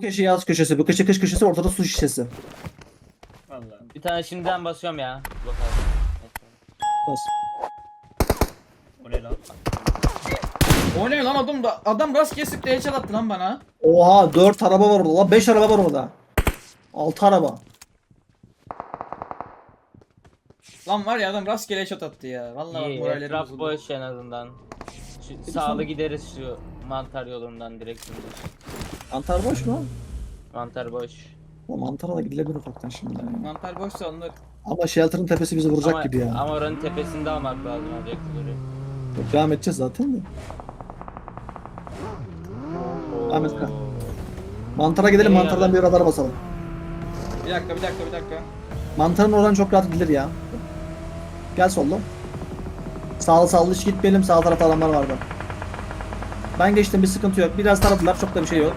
köşe yaz köşesi, bu köşe kış köşesi, ortada su şişesi. Vallahi. Bir tane şimdiden basıyorum ya. Blok abi. Bas. O ne lan? O ne lan, adam rastgele sıktı, headshot attı lan bana. Oha 4 araba var orada lan, 5 araba var orada. 6 araba. Lan var ya, adam rastgele headshot attı ya. Vallahi bak, İyi, morallerim etraf bozuldu. boş en azından. Şu, sağlı gideriz şu mantar yolundan direkt şimdi. Mantar boş mu? Mantar boş. O mantara da gidilebilir ufaktan şimdi. Mantar boşsa alınır. Ama shelter'ın tepesi bizi vuracak Ama, gibi ya. ama oranın tepesinde almak lazım objektifleri. Devam edeceğiz zaten de. Ahmet Kaya. Mantara gidelim, İyi mantardan abi. bir radar basalım. Bir dakika. Mantarın oradan çok rahat gidilir ya. Gel sollu. Sağlı hiç gitmeyelim, sağ tarafta adamlar vardı. Ben geçtim, bir sıkıntı yok. Biraz taradılar, çok da bir şey yok.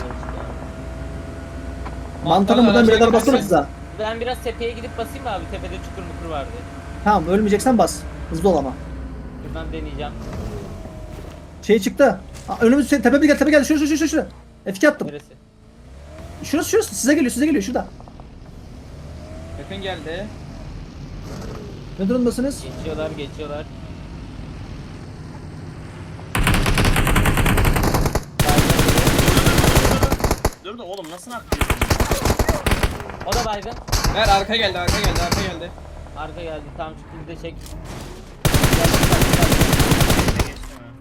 Mantarın buradan bir radar basana size. Ben biraz tepeye gidip basayım mı abi? Tepede çukur mukur vardı. Tamam, ölmeyeceksen bas. Hızlı ol ama. Buradan deneyeceğim. Şey çıktı. Önümüz tepe bir gel, tepe gel. Şuraya. F2 attım. Neresi? Şurası. Size geliyor şurada. Yakın geldi. Ne durumdasınız? Geçiyorlar. Dur da oğlum nasıl atlıyorsun? O da baygın. Ver, arka geldi. Arka geldi. Tam şu de çek. Geçtim ha.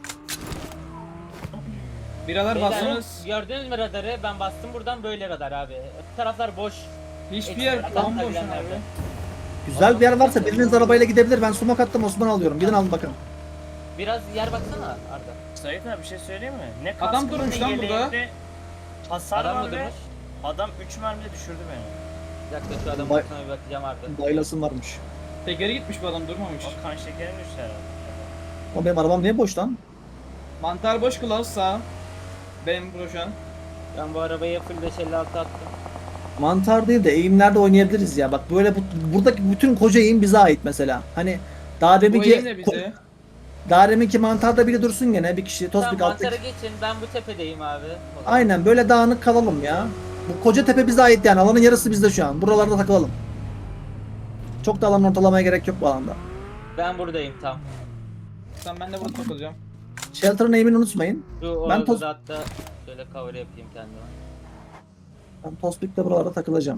Biralar Beyler, bastınız. gördünüz mü radarı? Ben bastım buradan böyle radar abi. Bu taraflar boş. Hiçbir yer Ekstra bomboş bilenler abi. de. Güzel bir yer varsa biriniz arabayla gidebilir. Ben sumak attım, Osman alıyorum. Gidin alın bakın. Biraz yer baksana Arda. Sait abi bir şey söyleyeyim mi? Ne Adam kaskın, durmuş ne lan burada. yeleğinde hasar Adam var mı ve durmuş? adam 3 mermide düşürdü beni. Bir dakika şu adamın Bay- üstüne bir bakacağım Arda. Baylasın varmış. Tekeri gitmiş, bu adam durmamış. O kan şekerim düştü herhalde. Ama benim arabam niye boş lan? Mantar boş, kılavuz sağ. Benim pro şu an. Ben bu arabaya full 556 attım. Mantar değil de eğimlerde oynayabiliriz ya. Bak böyle buradaki bütün koca eğim bize ait mesela. Hani daha Bu eğim de deminki bize. daha deminki mantarda biri dursun gene, bir kişi Tamam tospik mantara alttaki. geçin, ben bu tepedeyim abi. O zaman. Aynen böyle dağınık kalalım ya. Bu koca tepe bize ait yani. Alanın yarısı bizde şu an. Buralarda takılalım. Çok da alan ortalamaya gerek yok bu alanda. Ben buradayım tam. Tamam, ben de burada takılacağım. Shelter'ın eğimini unutmayın. Şu Ben orada toz- hatta şöyle cover yapayım kendime. Ben tospikle buralarda takılacağım.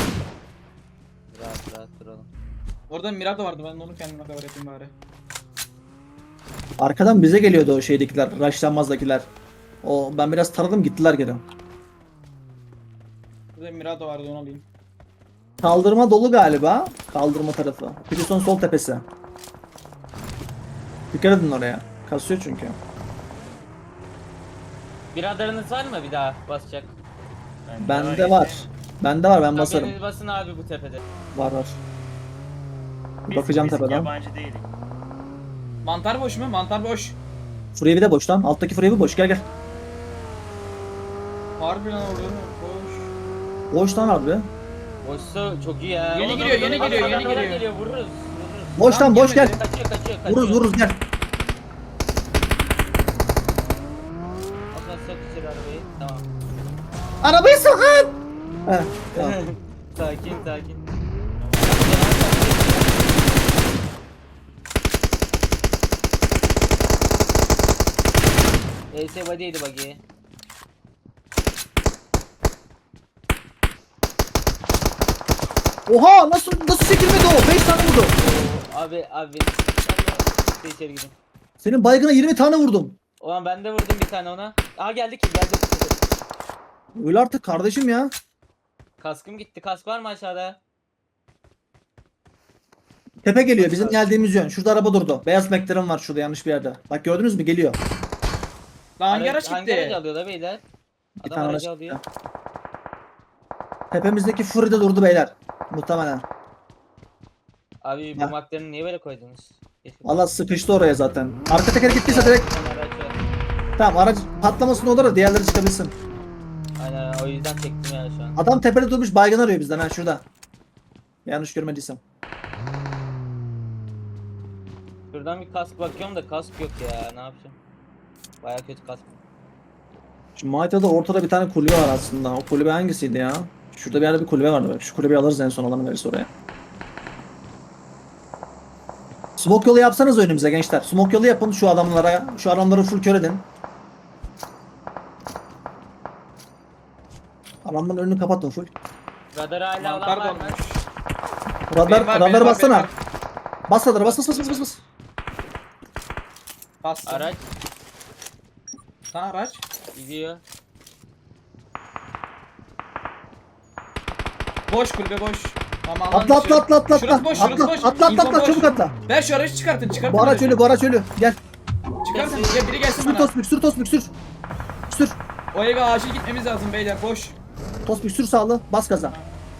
Rahat duralım. Orada Mirado vardı, ben de onu kendime cover yapayım bari. Arkadan bize geliyordu o şeydekiler, rushlanmazdakiler. O ben biraz taradım, gittiler geri. Burada Mirado vardı, onu alayım. Kaldırma dolu galiba. Kaldırma tarafı. Prison sol tepesi. Dikkat edin oraya. Kasıyor çünkü. Bir radarınız var mı bir daha basacak? Bende var. Bende var, ben Tamam, basarım. biriniz basın abi bu tepede. Var. Biz, Bakacağım biz tepeden. yabancı değilik. Mantar boş mu? Mantar boş. Furyevi de boş lan. Alttaki Furyevi boş. Gel. Harbi lan, orada boş. Boş lan abi. Boşsa çok iyi ya. Yeni Oğlum, giriyor, oğlum, yeni oğlum, giriyor, yeni adamlar giriyor. Vururuz. Boş lan, boş gel. girmedi. Kaçıyor. Vururuz gel. Ondan sok içeri arabayı. Tamam. Arabayı sokun. Heh, tamam. sakin. ES body'ydi buggy. Oha, nasıl çekilmedi o? 5 tane vurdu. Oo, abi. Ben de içeri gidin. Senin baygına 20 tane vurdum. Ulan ben de vurdum bir tane ona. Aa geldi. Öyle artık kardeşim ya. Kaskım gitti. Kask var mı aşağıda? Tepe geliyor, bizim geldiğimiz yön. Şurada araba durdu. Beyaz McLaren var şurada, yanlış bir yerde. Bak gördünüz mü, geliyor. Lan hangi araç Hangi aracı gitti? alıyor da beyler? Bir Adam tane araç aracı alıyor. gitti. Tepemizdeki Fury de durdu beyler. Muhtemelen. Abi bu Ya. McLaren'ı niye böyle koydunuz? Valla sıkıştı oraya zaten. Arka teker gittiyse direkt Bir tane araç var. tamam, araç patlamasın olur da diğerleri çıkabilsin. Aynen o yüzden çektim yani şu an. Adam tepede durmuş, baygın arıyor bizden ha, şurada. Yanlış görmediysem. Şuradan bir kask bakıyorum da kask yok ya, ne yapacağım? Baya kötü kask. Şu Malta'da ortada bir tane kulübe var aslında. O kulübe hangisiydi ya? Şurada bir yerde bir kulübe vardı. Bak. Şu kulübeyi alırız en son alanı verirse oraya. Smoke yolu yapsanız önümüze gençler. Smoke yolu yapın şu adamlara. Şu adamları full kör edin. Adamların önünü kapatın full. Radar hala Mantar olan var mı? dolmuş. Radar, Benim var, benim radarı var, bassana. benim var. Bas radarı bas bas bas bas bas. Bastım. Araç Sana araç. gidiyor. Boş kulübe boş. Tamam, alan Atla dışı. atla atla atla atla. Şurası boş, şurası Atla boş. atla İnfo atla boş. çabuk atla. Ver şu aracı çıkartın. Bu araç ölü bu araç ölü. Gel. Çıkartın. Gel, biri gelsin Sür bana. Tosbik sür Tosbik sür. Sür. O eve acil gitmemiz lazım beyler, boş. Tosbik sür sağlı. Bas gaza.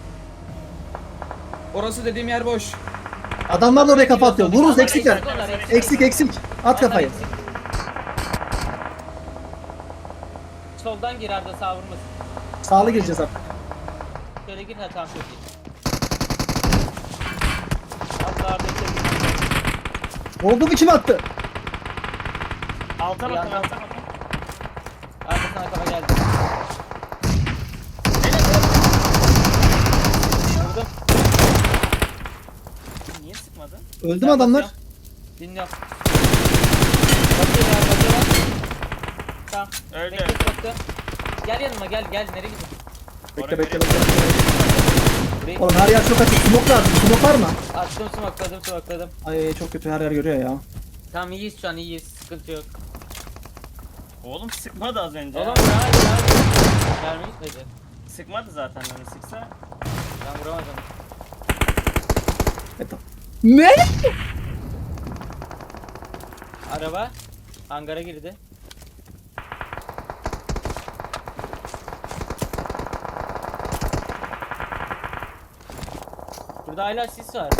Orası dediğim yer boş. Adamlar da oraya kafa atıyor. Vururuz Onlar eksikler. onlar Eksik eksik. At kafayı. Onlar eksik. Soldan gir Arda, sağ vurmasın. Sağlı gireceğiz artık. Şöyle gir, ha tamam çok iyi. Atla Arda içeri gir. Oldu mu kim attı? Alta Bir bakın yandan- alta bakın. Arda sana kafa geldi. Vurdum. Niye sıkmadın? Öldü mü adamlar? Dinliyorum. Bakıyor ya, bakıyor. Tamam. Öldü, Bekle, öldü. bekle. Gel yanıma, gel nereye gidiyorsun? Bekle Oraya bekle böyle- bekle. Burayı Oğlum her yer çok açık. Smoke lazım. Smoke var mı? attım, smokladım. Ay çok kötü her yer görüyor ya. Tamam, iyiyiz şu an, iyiyiz, sıkıntı yok. Oğlum sıkmadı az önce. Oğlum ya. Mermi gitmedi. Sıkmadı zaten onu sıksa. Ben vuramadım. Ne? Araba hangara girdi. Burada hala sis var.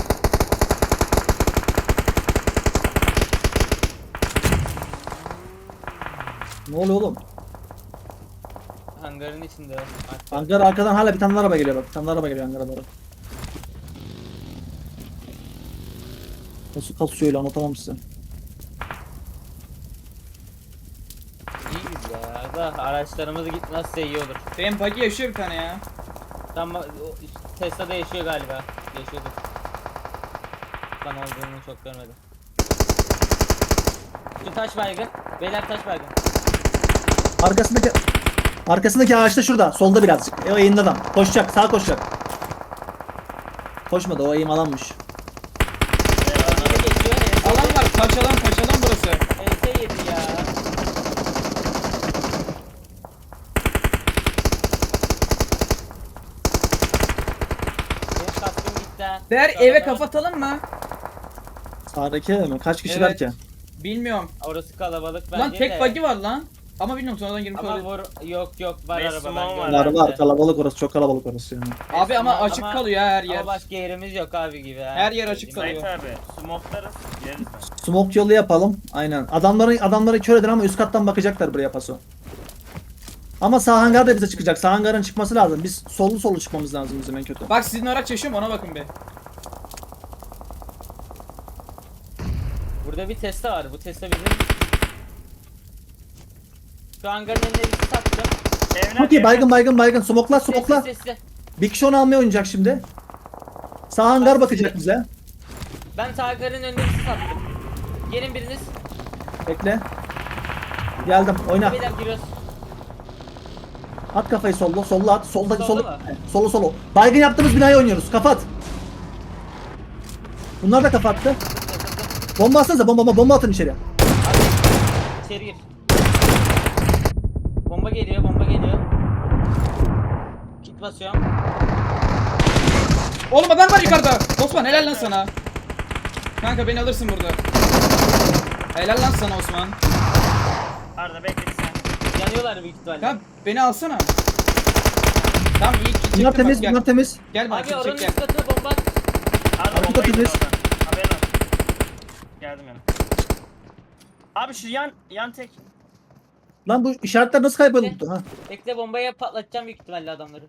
Ne oluyor oğlum? Hangarın içinde. Hangar arkadan hala bir tane araba geliyor bak. Bir tane araba geliyor hangara doğru. Nasıl kasıyor öyle anlatamam size. İyiyiz ya. Da araçlarımız gitmezse iyi olur. Benim buggy yaşıyor bir tane ya. Tamam, Tesla'da yaşıyor galiba. Yaşıyordur. Ben olduğunu çok görmedim. Şu taş baygın. Beyler taş baygın. Arkasındaki ağaçta şurada. Solda birazcık. O eğimli adam. Koşacak. Sağa koşacak. Koşmadı. O eğim alanmış. Biri geçiyor. Alan var, paçalan burası. ES yedi ya. Benim kaskım gitti ha. Değer Şu eve arada- kapatalım mı? Sağdaki mi? Kaç kişiler Evet. ki? Bilmiyorum. Orası kalabalık bence Lan de. tek buggy var lan. Ama bilmiyorum, sonradan girmiş Ama olabilir. yok var Beş araba small ben var. gördüm. Var kalabalık orası. Çok kalabalık orası yani. Abi ama Ama- açık kalıyor ya her yer. Ama başka yerimiz yok abi gibi ha. Her yer açık Söyleyeyim. kalıyor. Sait abi smoklarız. Gireriz ben. Smoke yolu yapalım. Aynen. Adamları kör edin ama üst kattan bakacaklar buraya paso. Ama sağ hangar da bize çıkacak. Sağ hangarın çıkması lazım. Biz sollu çıkmamız lazım bizim en kötü. Bak sizin araç yaşıyor mu, ona bakın bir. Burada bir Tesla var. Bu Tesla bizim. Şu hangarın önüne bir sattım. Evler, Çok iyi. evler. Baygın. Smokla. Sesli. Bir kişi onu almaya oynayacak şimdi. Sağ hangar bakacak bize. Ben hangarın önüne bir sattım. Gelin biriniz. Bekle. Geldim. Oyna. Beyler giriyoruz. At kafayı solla. Solla at. Solda Solu. mı? Solu. Baygın yaptığımız binayı oynuyoruz. Kapat. Bunlar da kapattı. Bomba atsanıza. Bomba atın içeriye. Abi içeri gir. Bomba geliyor. Kit basıyorum. Oğlum adam var yukarıda. Osman helal lan sana. Kanka beni alırsın burada. Helal lan sana Osman. Arda bekle bir sen. Yanıyorlar büyük ihtimalle. Tamam beni alsana. Tamam iyi ki Bunlar çektim bak, temiz. gel. Bunlar temiz. Gel bana Abi çek oranın gel. üst katına bomba at. Arda Arka bombayı temiz. oradan. Haberin olsun. Geldim yanına. Abi şu yan tek. Lan bu işaretler nasıl kayboldu? Ha. Bekle, bombaya patlatacağım büyük ihtimalle adamları.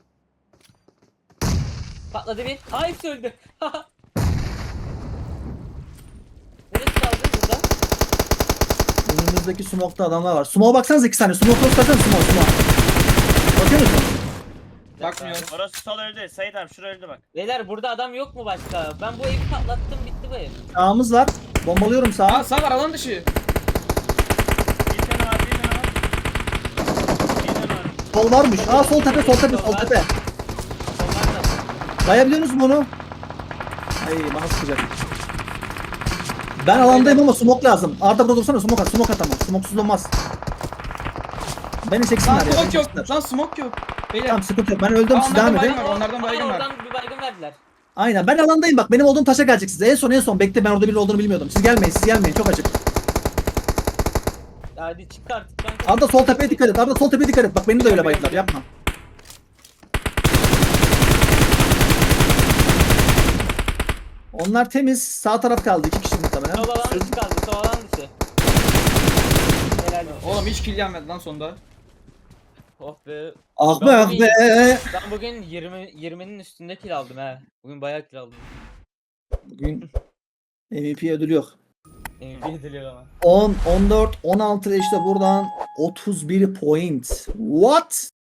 Patladı bir. Aa hepsi öldü. Neresi kaldı burada? Önümüzdeki smoke'ta adamlar var. Smoke'a baksanıza 2 saniye. Smoke'a göstersene smoke. Bakıyor musun? Bakmıyorum. Orası sol öldü. Sait abi şurada öldü bak. Beyler burada adam yok mu başka? Ben bu evi patlattım, bitti bu ev. Sağımız var. Bombalıyorum sağa. Aa sağ var alan dışı. Bir tane var, bir tane var. Bir tane var. Sol varmış. Aa sol tepe, sol tepe, sol tepe. Onlar da. Bayabiliyor musun bunu? Ay bana sıkacak. Ben alandayım ama smoke lazım. Arda burada dursana smoke at. Smoke at ama. Smoke'suz olmaz. Beni Lan çeksinler ya. beni smoke çeksinler. yok. Lan smoke yok. Beyler. Tamam sıkıntı yok. Ben öldüm Aa, siz devam onlardan edin. baygın var. Onlardan baygın var. Oradan bir baygın verdiler. Aynen ben alandayım bak. Benim olduğum taşa gelecek size. En son bekle ben orada biri olduğunu bilmiyordum. Siz gelmeyin. Çok açık. Hadi çık artık kanka. Arda sol tepeye dikkat et. Arda sol tepeye dikkat et. Bak beni de öyle bayıldılar. Yapma. Onlar temiz. Sağ taraf kaldı. 2 kişi muhtemelen. Sol alan dışı kaldı, sol alan dışı. Helal olsun. Oğlum hiç kill gelmedi lan sonda. Oh be. Ah be ah be. Ben bugün 20'nin üstünde kill aldım he. Bugün bayağı kill aldım. Bugün MVP ödülü yok. MVP ediliyor ama. 10, 14, 16 işte buradan 31 point. What?